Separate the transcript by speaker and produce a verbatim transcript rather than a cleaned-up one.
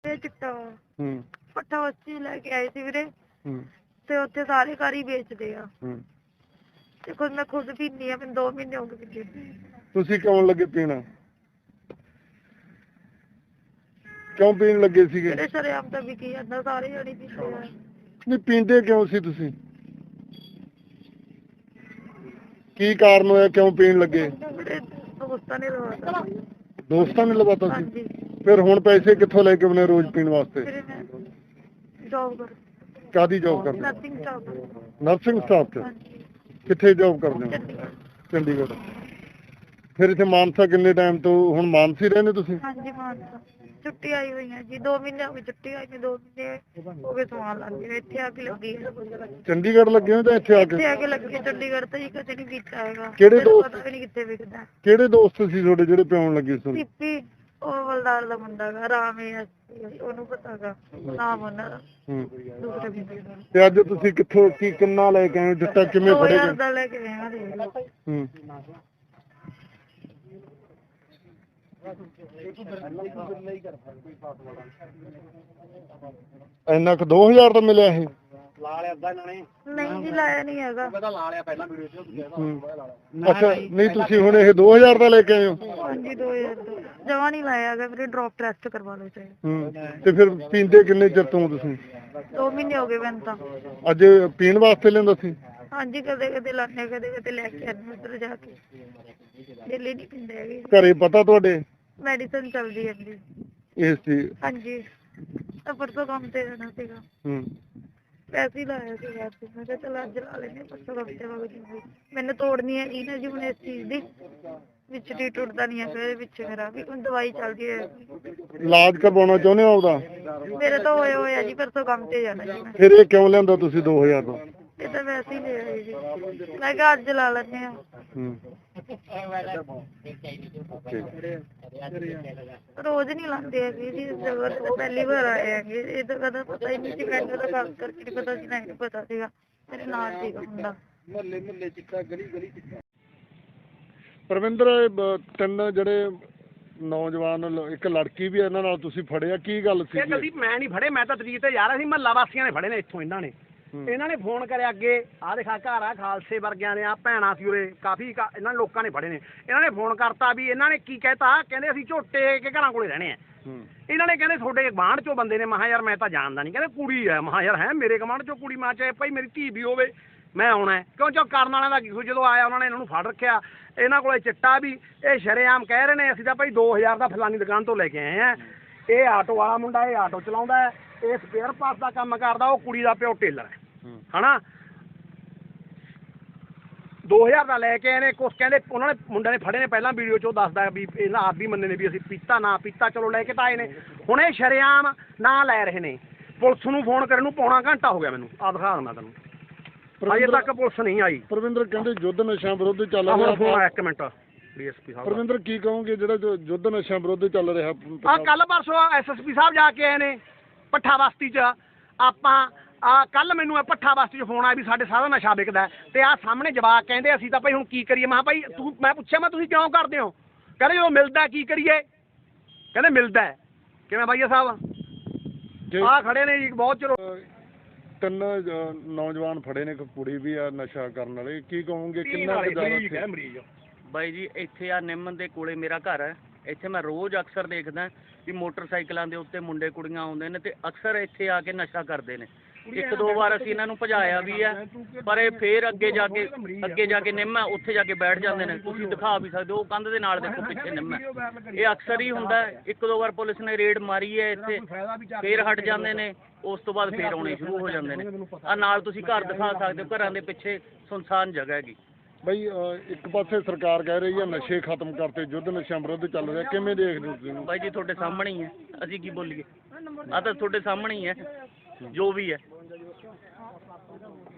Speaker 1: ਇਹ ਚਿੱਟਾ
Speaker 2: ਹੂੰ
Speaker 1: ਪੱਠਾ ਉੱਚੀ ਲੈ ਕੇ ਆਏ ਸੀ ਵੀਰੇ
Speaker 2: ਹੂੰ
Speaker 1: ਤੇ ਉੱਥੇ ਸਾਰੇ ਘਰ ਹੀ ਵੇਚਦੇ ਆ
Speaker 2: ਹੂੰ
Speaker 1: ਤੇ ਖੁਦ ਮੈਂ ਖੁਦ ਪੀਂਦੀ ਆ ਮੈਨੂੰ ਦੋ ਮਹੀਨੇ ਹੋ ਗਏ ਪੀਂਦੇ
Speaker 2: ਤੁਸੀਂ ਕਿਉਂ ਲੱਗੇ ਪੀਣਾ ਕਿਉਂ ਪੀਣ ਲੱਗੇ ਸੀਗੇ
Speaker 1: ਜਿਹੜੇ ਸ਼ਰੇਆਮ ਤਾਂ ਵਿਕੀ ਜਾਂਦਾ ਸਾਰੇ ਜਣੇ ਪੀਂਦੇ ਆ
Speaker 2: ਨਹੀਂ ਪੀਂਦੇ ਕਿਉਂ ਸੀ ਤੁਸੀਂ ਕੀ ਕਾਰਨ ਹੋਇਆ ਕਿਉਂ ਪੀਣ ਲੱਗੇ
Speaker 1: ਮੇਰੇ ਦੋਸਤਾਂ ਨੇ ਲਵਾਤਾ
Speaker 2: ਦੋਸਤਾਂ ਨੇ ਲਵਾਤਾ ਸੀ
Speaker 1: ਹਾਂਜੀ
Speaker 2: ਫਿਰ ਹੁਣ ਪੈਸੇ ਕਿੱਥੋਂ ਲੈ ਕੇ ਆਉਣੇ ਰੋਜ਼ ਪੀਣ ਵਾਸਤੇ
Speaker 1: ਫਿਰ ਮੈਂ ਜੌਬ ਕਰ
Speaker 2: ਕਾਦੀ ਜੌਬ ਕਰਦੇ
Speaker 1: ਨਰਸਿੰਗ ਜੌਬ
Speaker 2: ਨਰਸਿੰਗ ਸਟਾਫ 'ਚ
Speaker 1: ਹਾਂਜੀ
Speaker 2: ਕਿੱਥੇ ਜੌਬ ਕਰਦੇ ਹੋ
Speaker 1: ਚੰਡੀਗੜ੍ਹ
Speaker 2: ਚੰਡੀਗੜ੍ਹ ਫਿਰ ਇੱਥੇ ਮਾਨਸਾ ਕਿੰਨੇ ਟਾਈਮ ਤੋਂ ਹੁਣ ਮਾਨਸੀ ਰਹਿੰਦੇ ਤੁਸੀਂ
Speaker 1: ਹਾਂਜੀ ਮਾਨਸਾ ਛੁੱਟੀ ਆਈ ਹੋਈ ਹੈ ਜੀ ਦੋ ਮਹੀਨੇ ਹੋ ਗਏ ਛੁੱਟੀ ਆਈ ਨੂੰ ਦੋ ਮਹੀਨੇ ਹੋ ਗਏ ਸਮਾਨ ਲੱਗ ਗਏ ਇੱਥੇ ਆ ਕੇ ਲੱਗੀ ਹੈ
Speaker 2: ਚੰਡੀਗੜ੍ਹ ਲੱਗੇ ਹੋ ਜਾਂ ਇੱਥੇ ਆ ਕੇ
Speaker 1: ਇੱਥੇ ਆ ਕੇ ਲੱਗੀ ਹੈ ਚੰਡੀਗੜ੍ਹ ਤਾਂ ਜੀ ਕਦੇ ਨਹੀਂ ਕੀਤਾ ਹੈਗਾ
Speaker 2: ਕਿਹੜੇ
Speaker 1: ਮੈਨੂੰ
Speaker 2: ਦੋਸਤ?
Speaker 1: ਪਤਾ ਵੀ ਨਹੀਂ ਕਿੱਥੇ ਵਿਕਦਾ
Speaker 2: ਕਿਹੜੇ ਦੋਸਤ ਸੀ ਤੁਹਾਡੇ ਜਿਹੜੇ ਪਿਆਉਣ ਲੱਗੇ ਸੀ
Speaker 1: ਸਿੱਪੀ ਉਹ ਬਲਦਾਰ ਦਾ ਮੁੰਡਾ ਗਾ ਰਾਮ ਹੈ ਉਹਨੂੰ ਪਤਾ ਗਾ ਨਾਮ ਉਹਨਾਂ ਦਾ
Speaker 2: ਹੂੰ
Speaker 1: ਦੂਸਰੇ ਬੰਦੇ ਦਾ
Speaker 2: ਤੇ ਅੱਜ ਤੁਸੀਂ ਕਿੱਥੋਂ ਕੀ ਕਿੰਨਾ ਲੈ ਕੇ ਆਏ ਜੱਟਾ ਕਿਵੇਂ
Speaker 1: ਦੋ
Speaker 2: ਫੜੇ
Speaker 1: ਹਜ਼ਾਰ
Speaker 2: ਗਏ
Speaker 1: ਦਾ ਲੈ ਕੇ ਆਏ ਆ ਦੇਖ ਲਓ
Speaker 2: ਹੂੰ ਇੰਨਾ ਕੁ ਦੋ ਹਜ਼ਾਰ ਦਾ ਮਿਲਿਆ ਇਹ
Speaker 3: ਲਾ ਲਿਆ ਅੱਧਾ ਇਹਨਾਂ ਨੇ
Speaker 1: ਨਹੀਂ ਜੀ ਲਾਇਆ ਨਹੀਂ ਹੈਗਾ
Speaker 3: ਪਤਾ ਲਾ ਲਿਆ ਪਹਿਲਾਂ ਵੀਡੀਓ ਚ
Speaker 2: ਹੂੰ। ਅੱਛਾ ਨਹੀਂ ਤੁਸੀਂ ਹੁਣ ਇਹ ਦੋ ਹਜ਼ਾਰ ਦਾ ਲੈ ਕੇ ਆਏ ਹੋ
Speaker 1: ਹਾਂਜੀ ਦੋ ਹਜ਼ਾਰ ਦਾ ਜਮਾ ਨਹੀਂ ਲਾਇਆ ਹੈਗਾ ਵੀਰੇ ਡ੍ਰੌਪ ਟੈਸਟ ਕਰਵਾ ਲਓ ਚਾਹੇ
Speaker 2: ਹੂੰ ਤੇ ਫਿਰ ਪੀਂਦੇ ਕਿੰਨੇ ਚਿਰ ਤੋਂ ਤੁਸੀਂ
Speaker 1: ਦੋ ਮਹੀਨੇ ਹੋ ਗਏ ਮੈਨੂੰ ਤਾਂ
Speaker 2: ਅੱਜ ਪੀਣ ਵਾਸਤੇ ਲੈਂਦਾ ਸੀ
Speaker 1: ਹਾਂਜੀ ਕਦੇ ਕਦੇ ਲਾਣੇ ਕਦੇ ਕਦੇ ਲੈ ਕੇ ਆਉਂਦੇ ਉੱਧਰ ਜਾ ਕੇ ਡੇਲੀ ਨਹੀਂ ਪੀਂਦੇ ਹੈਗੇ
Speaker 2: ਘਰੇ ਪਤਾ ਤੁਹਾਡੇ
Speaker 1: ਮੈਡੀਸਨ ਚੱਲਦੀ ਹੈ ਜੀ
Speaker 2: ਇਸ ਚੀਜ਼
Speaker 1: ਹਾਂਜੀ ਤਾਂ ਪਰਸੋਂ ਕੰਮ ਤੇ ਜਾਣਾ ਸੀਗਾ
Speaker 2: ਹੂੰ
Speaker 1: ਪੈਸੇ ਹੀ ਲਾਇਆ ਸੀ ਯਾਰ ਤੇ ਮੈਂ ਕਿਹਾ ਚਲ ਅੱਜ ਲਾ ਲੈਨੇ ਪਰਸੋਂ ਕੰਮ ਤੇ ਵਗ ਜੂਗੀ ਮੈਨੂੰ ਤੋੜਨੀ ਹੈ ਜੀ ਨਾ ਜੀ ਹੁਣ ਇਸ ਚੀਜ਼ ਦੀ ਵਿੱਚ ਟੀ ਟੁੱਟਦਾ ਨਹੀਂ ਹੈ ਫਿਰ ਵਿੱਚ ਮੇਰਾ ਵੀ ਹੁਣ ਦਵਾਈ ਚੱਲਦੀ ਹੈ
Speaker 2: ਇਲਾਜ ਕਰਵਾਉਣਾ ਚਾਹੁੰਦੇ ਹੋ ਆਪਦਾ
Speaker 1: ਮੇਰੇ ਤਾਂ ਹੋਏ ਹੋਏ ਆ ਜੀ ਪਰਸੋਂ ਕੰਮ ਤੇ ਜਾਣਾ ਜੀ ਮੈਂ
Speaker 2: ਫਿਰ ਇਹ ਕਿਉਂ ਲੈਂਦਾ ਤੁਸੀਂ ਦੋ ਹਜ਼ਾਰ ਦਾ
Speaker 1: ਇਹ ਤਾਂ ਵੈਸੇ ਹੀ ਲੈ ਆਏ ਜੀ ਮੈਂ ਕਿਹਾ ਅੱਜ ਲਾ ਲੈਨੇ ਆ
Speaker 2: ਹੂੰ
Speaker 1: ਰੋਜ਼ ਨਹੀਂ ਲਾਉਂਦੇ ਹੈਗੇ ਜੀ ਇਸ ਜਗ੍ਹਾ ਤੇ ਤਾਂ ਪਹਿਲੀ ਵਾਰ ਆਏ ਹੈਗੇ ਇਹ ਤਾਂ ਕਦਾ ਪਤਾ ਹੀ ਨਹੀਂ ਸੀ ਮੈਨੂੰ ਤਾਂ ਖਾਸ ਕਰਕੇ ਨਹੀਂ ਪਤਾ ਸੀ ਨਾ ਨਹੀਂ ਪਤਾ ਸੀਗਾ ਮੇਰੇ ਨਾਲ ਸੀਗਾ ਮੁੰਡਾ
Speaker 3: ਮਹੱਲੇ ਮਹੱਲੇ ਚਿੱਟਾ ਗਲੀ ਗਲੀ ਚਿੱਟਾ
Speaker 2: ਪਰਵਿੰਦਰ ਇਹ ਬ- ਤਿੰਨ ਜਿਹੜੇ ਨੌਜਵਾਨ ਲ- ਇੱਕ ਲੜਕੀ ਵੀ ਇਹਨਾਂ ਨਾਲ ਤੁਸੀਂ ਫੜਿਆ ਕੀ ਗੱਲ ਸੀ
Speaker 3: ਇਹ ਗਲਤੀ ਮੈਂ ਨਹੀਂ ਫੜੇ ਮੈਂ ਤਾਂ ਤਰੀਕ ਤੇ ਜਾ ਰਿਹਾ ਸੀ ਮਹੱਲਾ ਵਾਸੀਆਂ ਨੇ ਫੜੇ ਨੇ ਇੱਥੋਂ ਇਹਨਾਂ ਨੇ ਇਹਨਾਂ ਨੇ ਫੋਨ ਕਰਿਆ ਅੱਗੇ ਆਹ ਦੇਖਾ ਘਰ ਆ ਖਾਲਸੇ ਵਰਗਿਆਂ ਨੇ ਆ ਭੈਣਾਂ ਸੀ ਉਰੇ ਕਾਫੀ ਕਾ- ਇਹਨਾਂ ਲੋਕਾਂ ਨੇ ਫੜੇ ਨੇ ਇਹਨਾਂ ਨੇ ਫੋਨ ਕਰਤਾ ਵੀ ਇਹਨਾਂ ਨੇ ਕੀ ਕਹਿਤਾ ਕਹਿੰਦੇ ਅਸੀਂ ਝੋਟੇ ਕੇ ਘਰਾਂ ਕੋਲੇ ਰਹਿਣੇ ਆ ਇਹਨਾਂ ਨੇ ਕਹਿੰਦੇ ਤੁਹਾਡੇ ਗੁਆਂਢ ਚੋਂ ਬੰਦੇ ਨੇ ਮਹਾ ਯਾਰ ਮੈਂ ਤਾਂ ਜਾਣਦਾ ਨਹੀਂ ਕਹਿੰਦੇ ਕੁੜੀ ਹੈ ਮਹਾ ਯਾਰ ਹੈ ਮੇਰੇ ਗੁਆਂਢ ਚੋਂ ਕੁੜੀ ਮਾਂ ਚਾਹੇ ਭਾਈ ਮੇਰੀ ਧੀ ਵੀ ਹੋਵੇ ਮੈਂ ਆਉਣਾ ਹੈ। ਕਿਉਂ ਚੋ ਕਰਨ ਵਾਲਿਆਂ ਦਾ ਕੀ ਸੀ, ਜਦੋਂ ਆਇਆ ਉਹਨਾਂ ਨੇ ਇਹਨਾਂ ਨੂੰ ਫੜ ਰੱਖਿਆ ਇਹਨਾਂ ਕੋਲੇ ਚਿੱਟਾ ਵੀ ਇਹ ਸ਼ਰੇਆਮ ਕਹਿ ਰਹੇ ਨੇ ਅਸੀਂ ਤਾਂ ਭਾਈ ਦੋ ਹਜ਼ਾਰ ਦਾ ਫਲਾਨੀ ਦੁਕਾਨ ਤੋਂ ਲੈ ਕੇ ਆਏ ਆ ਇਹ ਆਟੋ ਵਾਲਾ ਮੁੰਡਾ ਇਹ ਆਟੋ ਚਲਾਉਂਦਾ ਹੈ ਇਹ ਸਪੇਅਰ ਪਾਰਟ ਦਾ ਕੰਮ ਕਰਦਾ ਉਹ ਕੁੜੀ ਦਾ ਪਿਓ ਟੇਲਰ ਹੈ ਹਨਾ ਦੋ ਹਜ਼ਾਰ ਦਾ ਲੈ ਕੇ ਆਏ ਨੇ ਕੁਛ ਕਹਿੰਦੇ ਉਹਨਾਂ ਨੇ ਮੁੰਡਿਆਂ ਨੇ ਫੜੇ ਨੇ ਪਹਿਲਾਂ ਵੀਡੀਓ 'ਚ ਉਹ ਦੱਸਦਾ ਵੀ ਇਹਨਾਂ ਆਪ ਵੀ ਮੰਨੇ ਨੇ ਵੀ ਅਸੀਂ ਪੀਤਾ ਨਾ ਪੀਤਾ ਚਲੋ ਲੈ ਕੇ ਤਾਂ ਆਏ ਨੇ ਹੁਣ ਇਹ ਸ਼ਰੇਆਮ ਨਾ ਲੈ ਰਹੇ ਨੇ ਪੁਲਿਸ ਨੂੰ ਫੋਨ ਕਰਨ ਨੂੰ ਪੌਣਾ ਘੰਟਾ ਹੋ ਗਿਆ ਮੈਨੂੰ ਆ ਦਿਖਾ ਦਿੰਦਾ ਤੈਨੂੰ ਅਜੇ ਤੱਕ ਪੁਲਿਸ ਨਹੀਂ ਆਈ
Speaker 2: ਪਰਵਿੰਦਰ ਕਹਿੰਦੇ ਯੁੱਧ ਨਸ਼ਿਆਂ ਵਿਰੁੱਧ ਚੱਲ
Speaker 3: ਆਹ ਹੁਣ
Speaker 2: ਰਿਹਾ
Speaker 3: ਫੋਨ ਆਇਆ ਇੱਕ ਮਿੰਟ ਡੀਐਸਪੀ ਸਾਹਿਬ
Speaker 2: ਪਰਵਿੰਦਰ ਕੀ ਕਹੋਗੇ ਜਿਹੜਾ ਜੋ ਯੁੱਧ ਨਸ਼ਿਆਂ ਵਿਰੁੱਧ ਚੱਲ ਰਿਹਾ
Speaker 3: ਆ ਕੱਲ ਪਰਸੋਂ ਐਸਐਸਪੀ ਸਾਹਿਬ ਜਾ ਕੇ ਆਏ ਨੇ ਭੱਠਾ ਬਸਤੀ 'ਚ ਆਪਾਂ ਆ ਕੱਲ ਮੈਨੂੰ ਇਹ ਭੱਠਾ ਬਸਤੀ 'ਚ ਫੋਨ ਆਇਆ ਵੀ ਸਾਡੇ ਸਾਰਾ ਨਸ਼ਾ ਵਿਕਦਾ ਤੇ ਆ ਸਾਹਮਣੇ ਜਵਾਕ ਕਹਿੰਦੇ ਅਸੀਂ ਤਾਂ ਭਾਈ ਹੁਣ ਕੀ ਕਰੀਏ ਮੈਂ ਭਾਈ ਤੂੰ ਮੈਂ ਪੁੱਛਿਆ ਮੈਂ ਤੁਸੀਂ ਕਿਉਂ ਕਰਦੇ ਹੋ ਕਹਿੰਦੇ ਜਦੋਂ ਮਿਲਦਾ ਕੀ ਕਰੀਏ ਕਹਿੰਦੇ ਮਿਲਦਾ ਕਿਵੇਂ ਬਾਈਆ ਸਾਹਿਬ ਆ ਖੜੇ ਨੇ ਜੀ ਬਹੁਤ ਚਿਰ
Speaker 2: ਤਿੰਨ ਅ, ਨੌਜਵਾਨ ਫੜੇ ਨੇ ਇੱਕ ਕੁੜੀ ਵੀ ਆ ਨਸ਼ਾ ਕਰਨ ਵਾਲੇ ਕੀ ਕਹੋਗੇ ਕਿੰਨਾ ਕੁ ਜ਼ਿਆਦਾ
Speaker 3: ਮਰੀਜ਼
Speaker 4: ਬਾਈ ਜੀ ਇੱਥੇ ਆ ਨਿੰਮ ਦੇ ਕੋਲੇ ਮੇਰਾ ਘਰ ਹੈ ਇੱਥੇ ਮੈਂ ਰੋਜ਼ ਅਕਸਰ ਦੇਖਦਾ ਕਿ ਮੋਟਰਸਾਈਕਲਾਂ ਦੇ ਉੱਤੇ ਮੁੰਡੇ ਕੁੜੀਆਂ ਆਉਂਦੇ ਨੇ ਤੇ ਅਕਸਰ ਇੱਥੇ ਆ ਕੇ ਨਸ਼ਾ ਕਰਦੇ ਨੇ ਇੱਕ ਦੋ ਵਾਰ ਅਸੀਂ ਇਹਨਾਂ ਨੂੰ ਭਜਾਇਆ ਵੀ ਹੈ ਪਰ ਇਹ ਫੇਰ ਅੱਗੇ ਜਾ ਕੇ ਅੱਗੇ ਜਾ ਕੇ ਨਿੰਮ ਹੈ ਉੱਥੇ ਜਾ ਕੇ ਬੈਠ ਜਾਂਦੇ ਨੇ ਤੁਸੀਂ ਦਿਖਾ ਵੀ ਸਕਦੇ ਹੋ ਉਹ ਕੰਧ ਦੇ ਨਾਲ ਦੇਖੋ ਪਿੱਛੇ ਨਿੰਮ ਹੈ ਇਹ ਅਕਸਰ ਹੀ ਹੁੰਦਾ ਇੱਕ ਦੋ ਵਾਰ ਪੁਲਿਸ ਨੇ ਰੇਡ ਮਾਰੀ ਹੈ ਇੱਥੇ ਫੇਰ ਹਟ ਜਾਂਦੇ ਨੇ ਉਸ ਤੋਂ ਬਾਅਦ ਫੇਰ ਆਉਣੇ ਸ਼ੁਰੂ ਹੋ ਜਾਂਦੇ ਨੇ ਆ ਨਾਲ ਤੁਸੀਂ ਘਰ ਦਿਖਾ ਸਕਦੇ ਹੋ ਘਰਾਂ ਦੇ ਪਿੱਛੇ ਸੁਨਸਾਨ ਜਗ੍ਹਾ ਹੈਗੀ
Speaker 2: ਬਈ ਅ, ਇੱਕ ਪਾਸੇ ਸਰਕਾਰ ਕਹਿ ਰਹੀ ਹੈ ਨਸ਼ੇ ਖਤਮ ਕਰਤੇ ਯੁੱਧ ਨਸ਼ਿਆਂ ਵਿਰੁੱਧ ਚੱਲ ਰਿਹਾ ਕਿਵੇਂ ਦੇਖਦੇ ਹੋ ਤੁਸੀਂ ਇਹਨੂੰ?
Speaker 4: ਬਾਈ ਜੀ ਤੁਹਾਡੇ ਸਾਹਮਣੇ ਹੀ ਹੈ ਅਸੀਂ ਕੀ ਬੋਲੀਏ ਆ ਤਾਂ ਤੁਹਾਡੇ ਸਾਹਮਣੇ ਹੀ ਹੈ ਜੋ ਵੀ ਹੈ